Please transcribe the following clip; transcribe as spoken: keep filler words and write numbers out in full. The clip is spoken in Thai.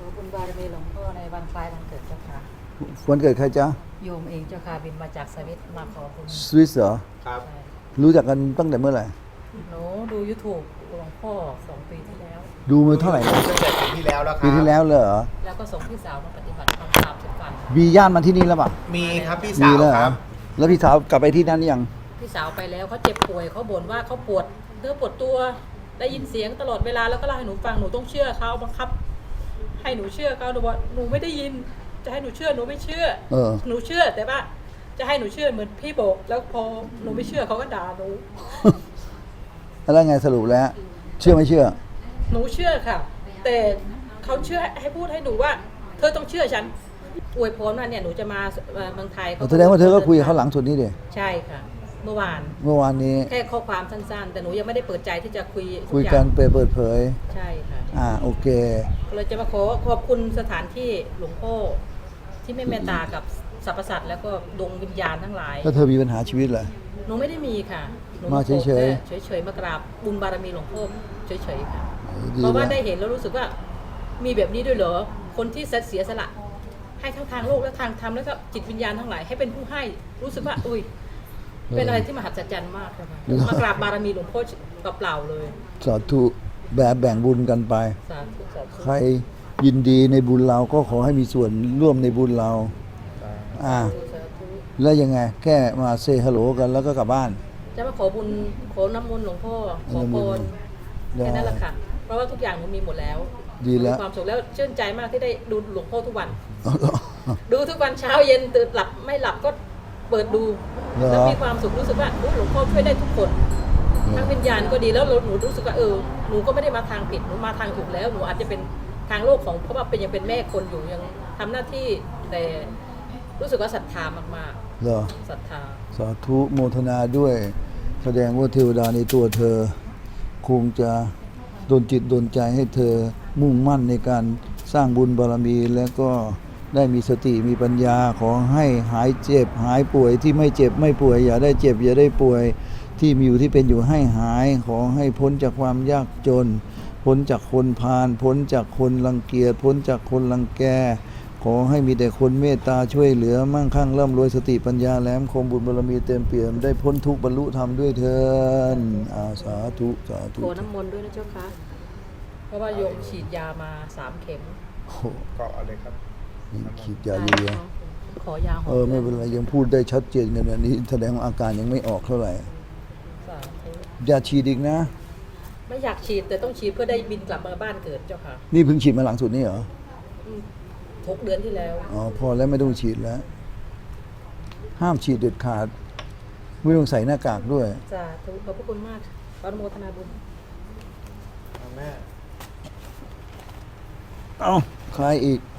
อบุญบารมีหลวงพ่อในวันคล้ายวันเกิดเจ้าค่ะวันเกิดใครจ๊ะโยมเองเจ้าค่ะบินมาจากสวิตมาขอบุญสวิสเหรอครับใช่รู้จักกันตั้งแต่เมื่อไหร่หนูดูยูทูบหลวงพ่อสองปีที่แล้วดูมาเท่าไหร่นะตั้งแต่ปีที่แล้วแล้วครับปีที่แล้วเลยเหรอแล้วก็ส่งพี่สาวมาปฏิบัติธรรมสามสิบวันมีญาติมาที่นี่แล้วป่ะมีครับพี่มีสาวแล้วเหครอรับแล้วพี่สาวกลับไปที่นั่นยังพี่สาวไปแล้วเขาเจ็บป่วยเขาบ่นว่าเขาปวดเนื้อปวดตัวได้ยินเสียงตลอดเวลาแล้วก็เล่าให้หนูฟังหนูต้องเชื่อเขาบังคับ ให้หนูเชื่อเขาหนูว่าหนูไม่ได้ยิน จะให้หนูเชื่อหนูไม่เชื่อเออหนูเชื่อแต่ว่าจะให้หนูเชื่อเหมือนพี่บอกแล้วพอหนูไม่เชื่อเขาก็ด่าหนูแล้วไงสรุปแล้ว เชื่อไม่เชื่อหนูเชื่อค่ะ แต่เขาเชื่อให้พูดให้หนูว่า เธอต้องเชื่อฉันอวยพรว่าเนี่ยหนูจะมาเอ่อเมืองไทยแสดงว่าเธอก็คุยกับเขาหลังสุดนี้ดิใช่ค่ะ เมื่อวานเมื่อวานนี้แค่ข้อความสั้นๆ แต่หนูยังไม่ได้เปิดใจที่จะคุยทุคุยอย่างกันเปิดเปิดเผยใช่ค่ะอ่าโอเคเราจะมาขอขอบคุณสถานที่หลวงพ่อที่ไม่เมตตากับสรรพสัตว์แล้วก็ดวงวิญญาณทั้งหลายแล้วเธอมีปัญหาชีวิตเหรอหนูไม่ได้มีค่ะหนูมาเฉยๆขอแค่เฉยๆมากราบบุญบารมีหลวงพ่อเฉยๆค่ะดีเพราะว่าแล้วได้เห็นแล้วรู้สึกว่ามีแบบนี้ด้วยเหรอ คนที่เสียสละ ให้ทั้งทางโลกและทางธรรมแล้วก็จิตวิญญาณทั้งหลายให้เป็นผู้ให้รู้สึกว่าอุ้ยเป็นอะไรที่มหัศจรรย์มากค่ะมากราบบารมีหลวงพ่อเปล่าๆเลยสาธุแบบแบ่งบุญกันไปสาธุสาธุใครยินดีในบุญเราก็ขอให้มีส่วนร่วมในบุญเรา อ่าสาธุแล้วยังไง แค่มาเซฮัลโหลกันแล้วก็กลับบ้านจะมาขอบุญขอน้ำมนต์หลวงพ่อขอพรได้แค่นั้นแหละค่ะ เพราะว่าทุกอย่างหนูมีหมดแล้วดีแล้วมีความสุขแล้วชื่นใจมากที่ได้ดูหลวงพ่อทุกวันเอาเหรอดูทุกวันเช้าเย็นตื่นหลับไม่หลับก็เปิดดูเหรอแล้วมีความสุขรู้สึกว่าอุ๊ยหลวงพ่อช่วยได้ทุกคนทั้งวิญญาณก็ดีแล้วหนูรู้สึกว่าเออหนูก็ไม่ได้มาทางผิดหนูมาทางถูกแล้วหนูอาจจะเป็นทางโลกของเพราะว่าเป็นยังเป็นแม่คนอยู่ยังทำหน้าที่แต่รู้สึกว่าศรัทธามากเหรอๆศรัทธาสาธุโมทนาด้วย แสดงว่าเทวดาในตัวเธอ คงจะดลจิตดลใจให้เธอมุ่งมั่นในการสร้างบุญบารมี และก็ได้มีสติมีปัญญาขอให้หายเจ็บ หายป่วยที่ไม่เจ็บไม่ป่วย อย่าได้เจ็บ อย่าได้ป่วย ที่มีอยู่ที่เป็นอยู่ให้หาย ขอให้พ้นจากความยากจน พ้นจากคนพาลพ้นจากคนรังเกียจพ้นจากคนรังแก ขอให้มีแต่คนเมตตาช่วยเหลือมั่งคั่งร่ำรวยสติปัญญาแหลมคมบุญบารมีเต็มเปี่ยมได้พ้นทุกข์บรรลุธรรมด้วยเถิดอาสาธุสาธุขอน้ำมนต์ด้วยนะเจ้าค่ะเพราะว่าโยมฉีดยามาสามเข็มโอ้โหก็เอาเลยครับนี่ขีดยาเลียขอยาหอมเออไม่เป็นไรยังพูดได้ชัดเจนขนาดนี้แสดงว่าอาการยังไม่ออกเท่าไหร่สาธุยาฉีดอีกนะไม่อยากฉีดแต่ต้องฉีดเพื่อได้บินกลับมาบ้านเกิดเจ้าค่ะนี่เพิ่งฉีดมาหลังสุดนี่เหรออืมหกเดือนที่แล้วอ๋อพอแล้วไม่ต้องฉีดแล้ว ห้ามฉีดเด็ดขาด ไม่ต้องใส่หน้ากากด้วยสาธุขอบพระคุณมากขออนุโมทนาบุญแม่เอาใครอีก